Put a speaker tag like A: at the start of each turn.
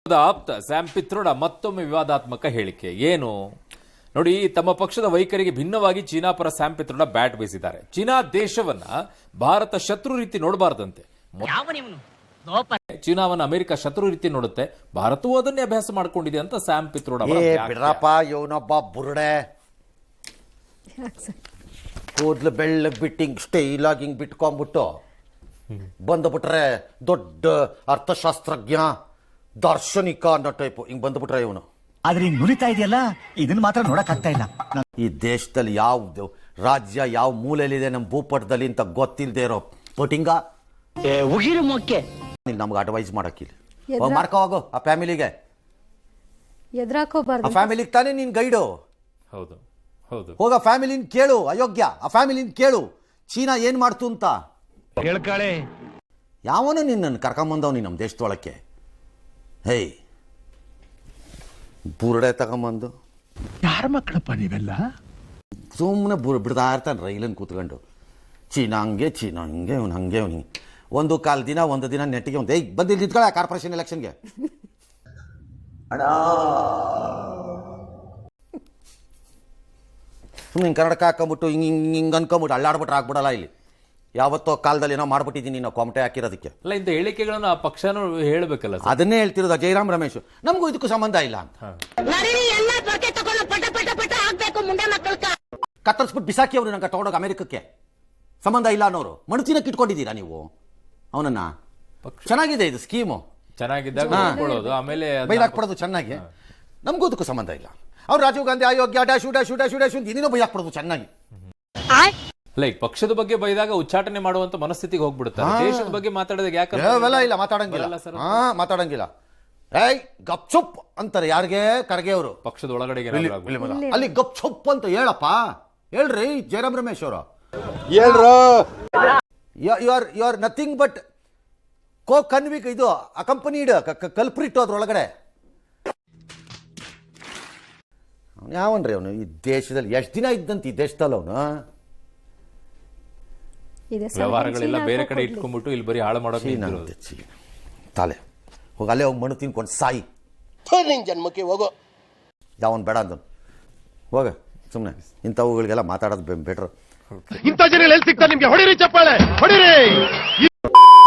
A: ಆಪ್ತ ಸ್ಯಾಮ್ ಪಿತ್ರೋಡ ಮತ್ತೊಮ್ಮೆ ವಿವಾದಾತ್ಮಕ ಹೇಳಿಕೆ ಏನು ನೋಡಿ. ತಮ್ಮ ಪಕ್ಷದ ವೈಖರಿಗೆ ಭಿನ್ನವಾಗಿ ಚೀನಾ ಪರ ಸ್ಯಾಮ್ ಪಿತ್ರೋಡ ಬ್ಯಾಟ್ ಬೀಸಿದ್ದಾರೆ. ಚೀನಾ ದೇಶವನ್ನ ಭಾರತ ಶತ್ರು ರೀತಿ ನೋಡಬಾರದಂತೆ. ಚೀನಾವನ್ನ ಅಮೆರಿಕ ಶತ್ರು ರೀತಿ ನೋಡುತ್ತೆ, ಭಾರತವೂ ಅದನ್ನೇ ಅಭ್ಯಾಸ ಮಾಡ್ಕೊಂಡಿದೆ ಅಂತ ಸ್ಯಾಮ್ ಪಿತ್ರೋಡ
B: ಬಿಡ್ರಪ್ಪ. ಇವನೊಬ್ಬ ಬುರುಡೆ ಕೂದ್ಲು ಬೆಳ್ಳಗ್ ಬಿಟ್ಟು ಹಿಂಗ್ ಸ್ಟೈಲ್ ಆಗಿ ಹಿಂಗ್ ಬಿಟ್ಕೊಂಡ್ಬಿಟ್ಟು ಬಂದ್ಬಿಟ್ರೆ ದೊಡ್ಡ ಅರ್ಥಶಾಸ್ತ್ರಜ್ಞ ದಾರ್ಶನಿಕ ಅನ್ನೋ ಟೈಪ್ ಹಿಂಗ್ ಬಂದ್ಬಿಟ್ರೆ ಇವನು.
C: ಆದ್ರೆ ಹಿಂಗ್ ನುರಿತಾ ಇದೆಯಲ್ಲ, ಇದನ್ನ ಮಾತ್ರ ನೋಡಕ್ ಆಗ್ತಾ ಇಲ್ಲ.
B: ಈ ದೇಶದಲ್ಲಿ ಯಾವ ರಾಜ್ಯ ಯಾವ ಮೂಲೆಯಲ್ಲಿದೆ ನಮ್ಮ ಭೂಪಟದಲ್ಲಿ ಅಂತ ಗೊತ್ತಿಲ್ಲದೆ ಇರೋ ಪಟಿಂಗ ನಮ್ಗೆ ಅಡ್ವೈಸ್ ಮಾಡಕ್ಕಿಲ್ಲ. ಮಾಡ್ಕೋ ಹೋಗು ಆ ಫ್ಯಾಮಿಲಿಗೆ,
D: ಎದುರಾಕೋಬಾರ್ದು.
B: ಆ ಫ್ಯಾಮಿಲಿಗೆ ತಾನೇ ನೀನ್ ಗೈಡು.
A: ಹೌದು ಹೌದು,
B: ಹೋಗ ಫ್ಯಾಮಿಲಿನ ಕೇಳು. ಅಯೋಗ್ಯ, ಆ ಫ್ಯಾಮಿಲಿನ ಕೇಳು ಚೀನಾ ಏನ್ ಮಾಡ್ತು ಅಂತ. ಯಾವನು ನಿನ್ನನ್ನು ಕರ್ಕೊಂಬಂದವ್ ನೀನು ನಮ್ಮ ದೇಶದೊಳಕ್ಕೆ. ಹೇಯ್ ಬುರುಡೆ ತಗೊಂಬಂದು
C: ಯಾರ ಮಕ್ಕಳಪ್ಪ ನೀವೆಲ್ಲ?
B: ಸುಮ್ಮನೆ ಬಿಡ್ತಾ ಇರ್ತಾನೆ ರೈಲನ್ನು ಕೂತ್ಕೊಂಡು. ಚೀನಾ ಹಂಗೆ ಚೀನಾ ಹಂಗೆ ಅವ್ನು ಹಂಗೆ ಅವ್ನು ಹಿಂಗೆ. ಒಂದು ದಿನ ನೆಟ್ಟಿಗೆ ಒಂದು ಬಂದಿಲ್ಲ ನಿಂತ್ಕೊಳ್ಳ ಕಾರ್ಪೊರೇಷನ್ ಎಲೆಕ್ಷನ್ಗೆ. ಸುಮ್ಮನೆ ಕನ್ನಡಕ ಹಾಕೊಂಬಿಟ್ಟು ಹಿಂಗೆ ಹಿಂಗೆ ಹಿಂಗೆ ಅನ್ಕೊಂಬಿಟ್ಟು ಅಳ್ಳಾಡ್ಬಿಟ್ರೆ ಆಗ್ಬಿಡಲ್ಲ. ಇಲ್ಲಿ ಯಾವತ್ತೋ ಕಾಲದಲ್ಲಿ ಏನೋ ಮಾಡ್ಬಿಟ್ಟಿದ್ದೀನಿ ನಾವು ಕಾಮಟೆ ಹಾಕಿರೋದಕ್ಕೆ.
A: ಅಲ್ಲ, ಇಂಥ ಹೇಳಿಕೆಗಳನ್ನು ಆ ಪಕ್ಷನೂ ಹೇಳಬೇಕಲ್ಲ.
B: ಅದನ್ನೇ ಹೇಳ್ತಿರೋದು ಜಯರಾಮ್ ರಮೇಶ್. ನಮಗೂ ಇದಕ್ಕೂ ಸಂಬಂಧ ಇಲ್ಲ ಅಂತ ಕತ್ತರಿಸ್ಬಿಟ್ಟು ಬಿಸಾಕಿ ಅವರು ನಂಗೆ ತಗೊಂಡೋಗಿ ಅಮೆರಿಕಕ್ಕೆ ಸಂಬಂಧ ಇಲ್ಲ ಅನ್ನೋರು. ಮಣತಿನಕ್ಕೆ ಇಟ್ಕೊಂಡಿದ್ದೀರಾ ನೀವು ಅವನನ್ನ? ಚೆನ್ನಾಗಿದೆ ಇದು ಸ್ಕೀಮು,
A: ಚೆನ್ನಾಗಿದ್ದಾಗ ಆಮೇಲೆ
B: ಬೈಲಾಕ್ಬಿಡೋದು ಚೆನ್ನಾಗಿ. ನಮಗೂ ಇದಕ್ಕೂ ಸಂಬಂಧ ಇಲ್ಲ. ಅವ್ರು ರಾಜೀವ್ ಗಾಂಧಿ ಆಯೋಗ್ಯ ಡ್ಯಾಶು ಡ್ಯಾಶು ಡ್ಯಾಶು ಡ್ಯಾಶು ಅಂತ ಇನ್ನೇನೋ ಬೈಲಾಕ್ಬಿಡೋದು ಚೆನ್ನಾಗಿ.
A: ಲೈಕ್ ಪಕ್ಷದ ಬಗ್ಗೆ ಬೈದಾಗ ಉಚ್ಚಾಟನೆ ಮಾಡುವಂತ ಮನಸ್ಥಿತಿಗೆ ಹೋಗ್ಬಿಡುತ್ತೆ. ದೇಶದ ಬಗ್ಗೆ ಮಾತಾಡಿದಾಗ ಯಾಕೆ
B: ಇಲ್ಲ ಮಾತಾಡಂಗಿಲ್ಲ. ಏಯ್ ಗಪ್ ಚುಪ್ ಅಂತಾರೆ ಯಾರಿಗೆ? ಖರ್ಗೆ ಅವರು
A: ಪಕ್ಷದ ಒಳಗಡೆ
B: ಅಲ್ಲಿ ಗಪ್ ಚುಪ್ ಅಂತ ಹೇಳಪ್ಪ. ಹೇಳ್ರಿ ಜಯರಾಮ್ ರಮೇಶ್ ಅವರು, you are nothing but co convict ಇದು ಅಕಂಪನಿಡ್ ಕಲ್ಪ್ರಿಟ್ ಅದ್ರೊಳಗಡೆ. ಅವನು ಯಾವನ್ರಿ ಅವನು? ಈ ದೇಶದಲ್ಲಿ ಎಷ್ಟು ದಿನ ಇದ್ದಂತ ಈ ದೇಶದಲ್ಲಿ ಅವನು
A: ವ್ಯವಹಾರಗಳೆಲ್ಲ ಬೇರೆ ಕಡೆ ಇಟ್ಕೊಂಡ್ಬಿಟ್ಟು ಇಲ್ಲಿ ಬರೀ ಹಾಳು ಮಾಡೋಕೆ
B: ತಾಲೆ ಹೋಗಿ ಅಲ್ಲೇ ಹೋಗಿ ಮಣ್ಣು ತಿನ್ಕೊಂಡು ಸಾಯಿ. ಜನ್ಮಕ್ಕೆ ಹೋಗೋ ಯಾವನ್ ಬೇಡ ಅಂದನು. ಹೋಗ ಸುಮ್ಮನೆ ಇಂಥವುಗಳಿಗೆಲ್ಲ ಮಾತಾಡೋದು ಬೆಟ್ರು.
E: ಇಂಥ ಜನ ಎಲ್ಲಿ ಸಿಗ್ತಾರೆ ನಿಮ್ಗೆ? ಹೊಡಿರಿ ಚಪ್ಪಾಳೆ ಹೊಡಿರಿ.